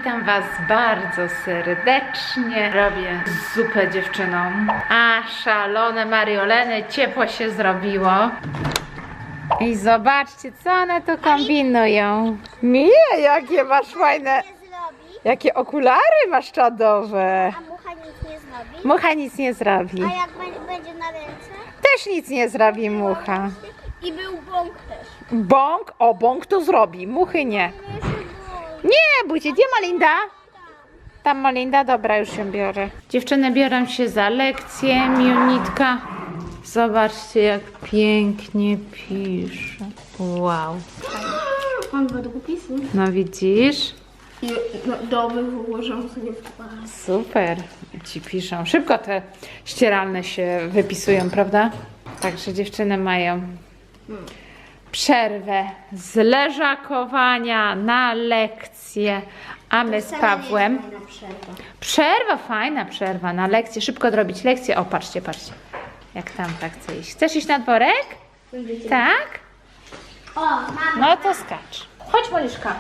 Witam Was bardzo serdecznie. Robię zupę dziewczynom. A szalone marioleny, ciepło się zrobiło. I zobaczcie, co one tu kombinują. Mija, jakie masz fajne... Jakie okulary masz czadowe. A mucha nic nie zrobi? Mucha nic nie zrobi. A jak będzie na ręce? Też nic nie zrobi mucha. I był bąk też. Bąk? O, bąk to zrobi, muchy nie. Nie, bójcie, gdzie Molinda? Tam Molinda, dobra, już się biorę. Dziewczyny biorą się za lekcję, Miunitka. Zobaczcie, jak pięknie pisze. Wow. Mam dwa długopisy. No widzisz? I domy wyłożą sobie w twarz. Super. Ci piszą. Szybko te ścieralne się wypisują, prawda? Także dziewczyny mają przerwę z leżakowania na lekcję, a my z Pawłem... Przerwa, fajna przerwa na lekcję. Szybko zrobić lekcję. O, patrzcie, patrzcie. Jak tam tak chce iść. Chcesz iść na dworek? Tak? O, mama. No to skacz. Chodź, Moliszka.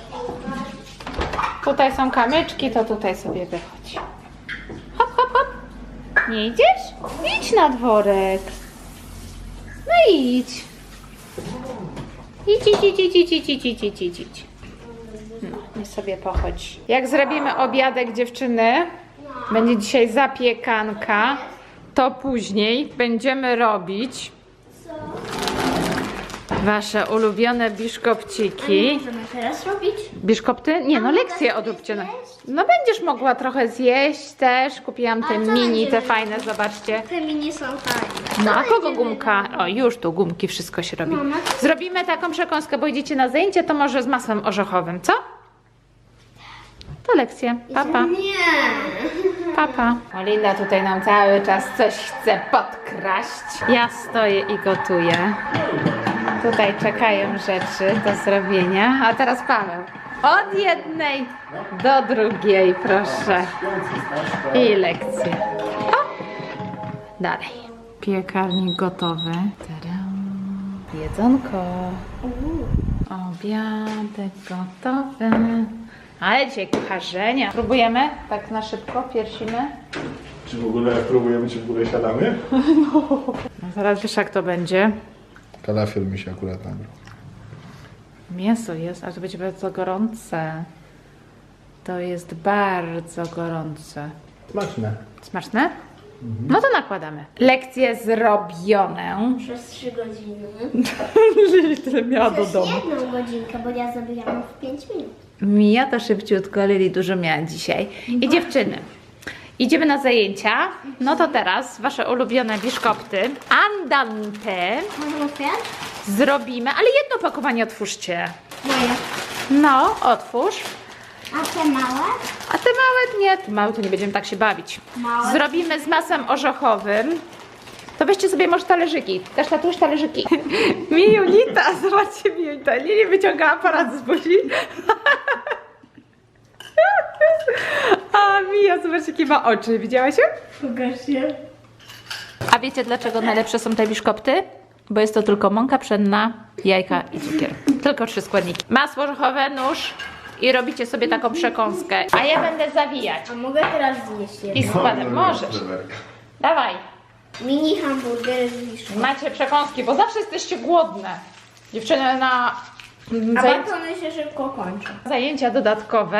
Tutaj są kamyczki, to tutaj sobie wychodź. Hop, hop, hop. Nie idziesz? Idź na dworek. No idź. Idź, idź, idź, idź, idź, idź, idź, idź, idź, idź. No, nie sobie pochodź. Jak zrobimy obiadek, dziewczyny, będzie dzisiaj zapiekanka, to później będziemy robić wasze ulubione biszkopciki. Możemy teraz robić? Biszkopty? Nie, no lekcje odróbcie. No będziesz mogła trochę zjeść też. Kupiłam te mini, te fajne, zobaczcie. Te mini są fajne. No a kogo gumka? O, już tu gumki, wszystko się robi. Zrobimy taką przekąskę, bo idziecie na zajęcie, to może z masłem orzechowym, co? To lekcje. Papa. Nie. Papa. Olinda tutaj nam cały czas coś chce podkraść. Ja stoję i gotuję. Tutaj czekają rzeczy do zrobienia. A teraz Paweł. Od jednej do drugiej, proszę. I lekcje. O! Dalej. Piekarnik gotowy. Tadam. Jedzonko. Obiadek gotowy. Ale dzisiaj kucharzenia. Próbujemy? Tak na szybko, piersimy. Czy w ogóle próbujemy, czy w ogóle siadamy? No zaraz wiesz, jak to będzie. Kalafior mi się akurat nabrał. Mięso jest, ale to będzie bardzo gorące. To jest bardzo gorące. Smaczne. Smaczne? No to nakładamy. Lekcje zrobione. Przez 3 godziny. Tyle miała do Przez domu. 1 godzinkę, bo ja zrobiłam w 5 minut. Mija to szybciutko, Lili dużo miała dzisiaj. I dziewczyny, idziemy na zajęcia. No to teraz wasze ulubione biszkopty. Andante Możemy otwierać? zrobimy, ale jedno pakowanie otwórzcie. Moje. No, otwórz. A te małe? A te małe nie, te małe to nie będziemy tak się bawić. Małe? Zrobimy z masłem orzechowym. To weźcie sobie może talerzyki. Też tatuś talerzyki. Mijulita, zobaczcie Mijulita. Lili wyciąga aparat z buzi. A Mija, zobaczcie jakie ma oczy. Widziałaś ją? Pokaż się. A wiecie dlaczego najlepsze są te biszkopty? Bo jest to tylko mąka pszenna, jajka i cukier. Tylko 3 składniki. Masło orzechowe, nóż i robicie sobie taką przekąskę. A ja będę zawijać. A mogę teraz zjeść jedno? I składem możesz. Dawaj. Mini hamburger z wiszką. Macie przekąski, bo zawsze jesteście głodne. Dziewczyny na A batony się szybko kończą. zajęcia dodatkowe.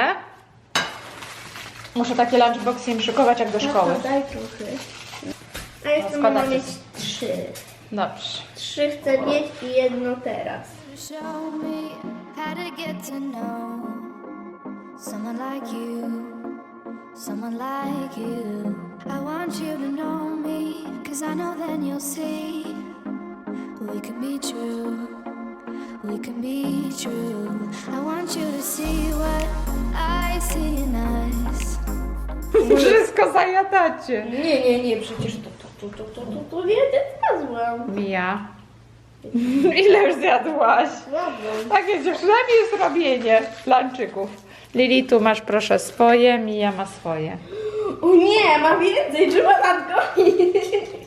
Muszę takie lunchboxy im szykować jak do szkoły. No to daj trochę. A jeszcze składajcie mam mieć się. 3. Dobrze. 3 chcę mieć i jedno teraz. Show me how to get to know someone like you, someone like you. I want you to know me, 'cause I know then you'll see we can be true, we can be true. I want you to see what I see in us. Wszystko zajadacie. Nie, przecież to nie zjadłam. Mija. Ile już zjadłaś? Takie dziewczynami jest robienie lunczyków. Lili, tu masz proszę swoje, Mija ma swoje. O nie, ma więcej, trzeba nadgonić.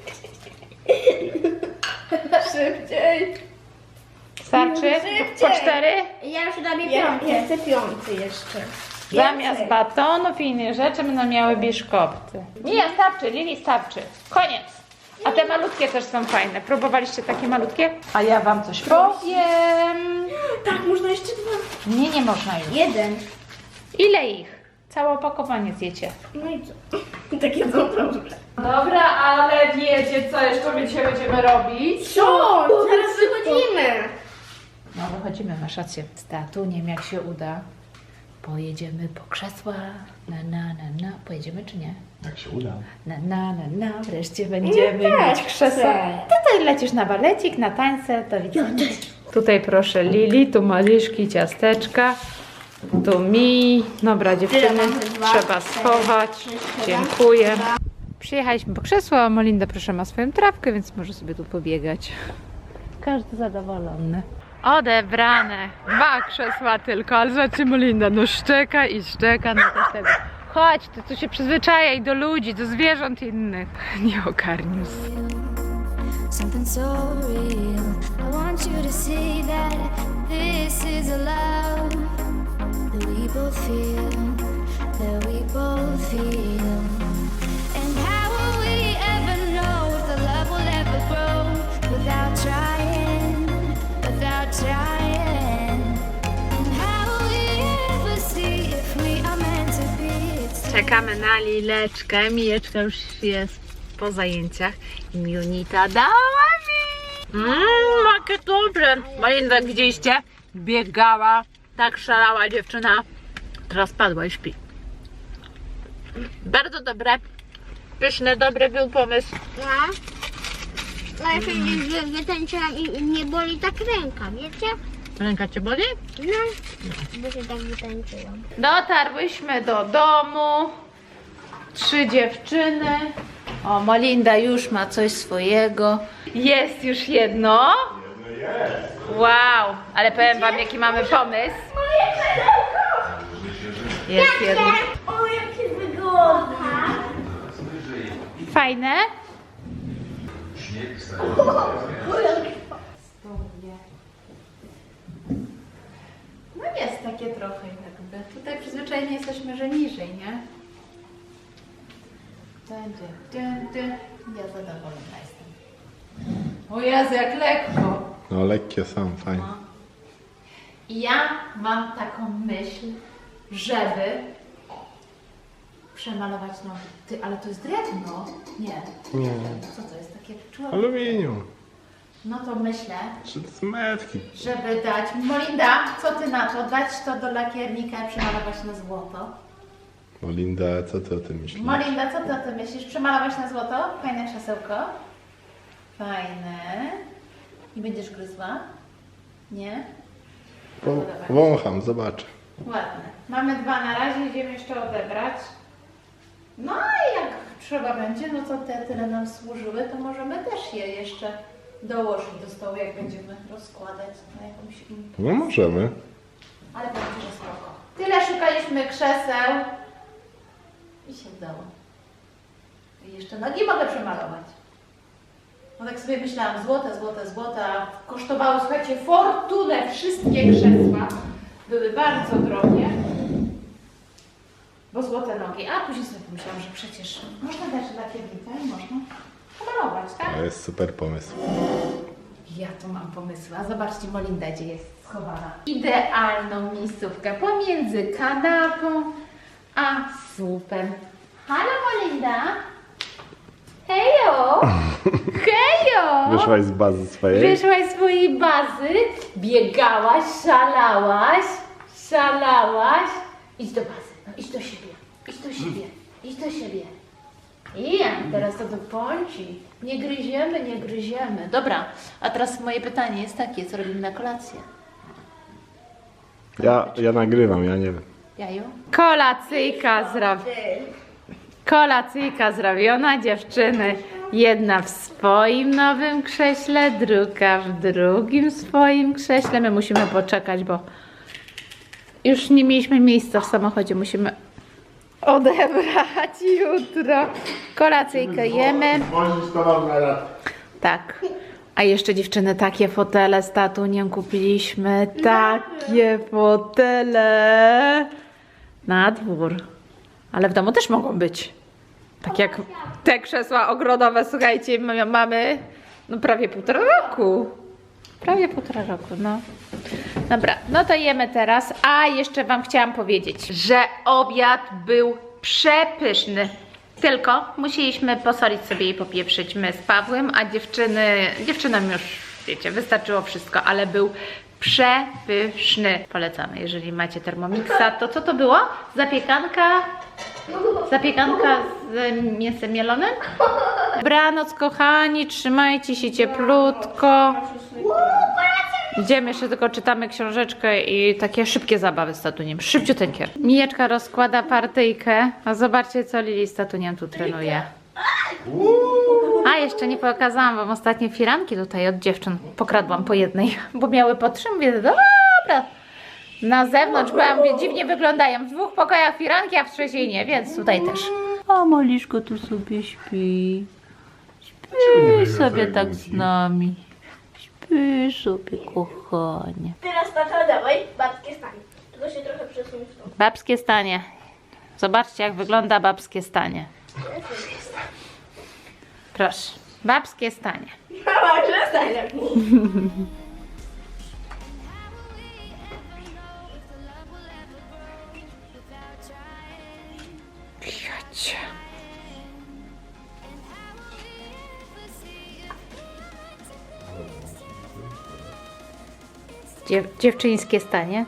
Szybciej. Starczy? Po 4? Ja już robię 5. Ja chcę 5 jeszcze. Zamiast batonów i innych rzeczy będą miały biszkopty. Nie, starczy, Lili, starczy. Koniec. A te malutkie też są fajne. Próbowaliście takie malutkie? A ja wam coś powiem. Tak, można jeszcze dwa. Nie, nie można już. Jeden. Ile ich? Całe opakowanie zjecie. No i co? Takie są dobrze. Dobra, ale wiecie co jeszcze my dzisiaj będziemy robić? Co? Zaraz wychodzimy. No wychodzimy, masz rację. Z tatuniem jak się uda, pojedziemy po krzesła. Pojedziemy czy nie? Jak się uda. Wreszcie będziemy mieć krzesła. Tutaj lecisz na balecik, na tańce, to widzimy. Tutaj proszę Lili, tu maliszki, ciasteczka. Tu mi. Dobra dziewczyny, trzeba schować. Dziękuję. Przyjechaliśmy po krzesło, a Molinda proszę ma swoją trawkę, więc może sobie tu pobiegać. Każdy zadowolony. Odebrane. 2 krzesła tylko, ale zobaczcie Molinda, no szczeka i szczeka na też tego. Chodź, ty tu się przyzwyczajaj do ludzi, do zwierząt innych. Nie ogarnił. Something so real. I want you to see that this is a love that we both feel, that we both feel. And how will we ever know if the love will ever grow without trying, without trying? And how will we ever see if we are meant to be? It's Czekamy na Lileczkę. Mijeczka już jest po zajęciach. I Junita dała mi. Jakie dobre. Molinda, widzieliście? Biegała, tak szalała dziewczyna. Teraz padła i śpi. Bardzo dobre. Pyszne, dobry był pomysł. No. No ja się wytańczyłam i nie boli tak ręka, wiecie? Ręka cię boli? No, bo się tak wytańczyłam. Dotarłyśmy do domu. 3 dziewczyny. O, Molinda już ma coś swojego. Jest już jedno. Wow, ale powiem wam jaki mamy pomysł. Jest jedno. O, jakie wygodne. Fajne? No jest takie trochę jakby. Tutaj przyzwyczajeni jesteśmy, że niżej, nie? Ja zadowolona jestem. O Jezu, jak lekko. No lekkie są, fajnie. I ja mam taką myśl, żeby przemalować nogi. Ty, ale to jest drewno? Nie. Nie. Co to jest? Takie człowiek? Aluminium. No to myślę, Czy to są metki? żeby dać... Molinda, co ty na to? Dać to do lakiernika i przemalować na złoto? Molinda, co ty o tym myślisz? Molinda, co ty o tym myślisz? Przemalować na złoto? Fajne krzesełko? Fajne. I będziesz gryzła? Nie? Wącham, zobaczę. Ładne. Mamy 2 na razie, idziemy jeszcze odebrać. No i jak trzeba będzie, no to te tyle nam służyły, to możemy też je jeszcze dołożyć do stołu, jak będziemy rozkładać na jakąś imprezę. No możemy. Ale będzie, że spoko. Tyle szukaliśmy krzeseł i się udało. I jeszcze nogi mogę przemalować. No tak sobie myślałam, złote, a kosztowały, słuchajcie, fortunę wszystkie krzesła. Były bardzo drogie. Bo złote nogi. A później sobie pomyślałam, że przecież można dać lakiernika i można pomalować, tak? To jest super pomysł. Ja tu mam pomysły, a zobaczcie Molinda, gdzie jest schowana. Idealną miejscówkę pomiędzy kanapą a słupem. Halo Molinda! Hejo! Hejo! Wyszłaś z bazy swojej? Wyszłaś z swojej bazy, biegałaś, szalałaś. Idź do bazy, no idź do siebie, idź do siebie. I teraz to do pąci. Nie gryziemy. Dobra, a teraz moje pytanie jest takie, co robimy na kolację? Ja nagrywam, ja nie wiem. Jaju? Kolacyjka zrobiona, dziewczyny. Jedna w swoim nowym krześle, druga w drugim swoim krześle. My musimy poczekać, bo już nie mieliśmy miejsca w samochodzie. Musimy odebrać jutro. Kolacyjkę jemy. Możesz to na raz. Tak. A jeszcze dziewczyny, takie fotele z tatuniem kupiliśmy. Takie fotele. Na dwór. Ale w domu też mogą być. Tak jak te krzesła ogrodowe, słuchajcie, mamy no prawie 1,5 roku. Prawie 1,5 roku, no. Dobra, no to jemy teraz. A jeszcze Wam chciałam powiedzieć, że obiad był przepyszny. Tylko musieliśmy posolić sobie i popieprzyć my z Pawłem, a dziewczynom już, wiecie, wystarczyło wszystko, ale był przepyszny. Polecamy, jeżeli macie Thermomixa, to co to było? Zapiekanka z mięsem mielonym? Dobranoc, kochani, trzymajcie się cieplutko. Idziemy, jeszcze tylko czytamy książeczkę i takie szybkie zabawy z tatuniem, szybciuteńkie. Mijeczka rozkłada partyjkę, a zobaczcie, co Lili z tatuniem tu trenuje. A, jeszcze nie pokazałam Wam ostatnie firanki tutaj od dziewczyn. Pokradłam po jednej, bo miały po 3, mówię, dobra. Na zewnątrz, bo ja mówię, dziwnie wyglądają. W 2 pokojach firanki, a w 3 nie, więc tutaj też. A Moliszko tu sobie śpi. Śpi sobie tak z nami. Śpi sobie, kochanie. Teraz tata dawaj, babskie stanie. Tylko się trochę przesuń w tą. Babskie stanie. Zobaczcie, jak wygląda babskie stanie. Proszę. Babskie stanie. Mama, przestań jak mówi. Chodź. Dziewczyńskie stanie.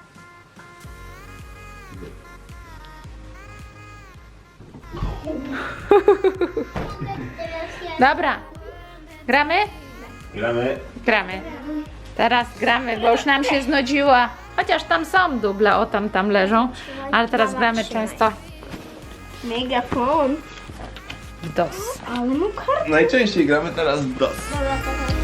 Dobra. Gramy? Gramy. Gramy. Teraz gramy, bo już nam się znudziła. Chociaż tam są duble, o tam leżą. Ale teraz gramy często Megafon. w DOS. Ale no kar... Najczęściej gramy teraz w DOS. Dobra, tata.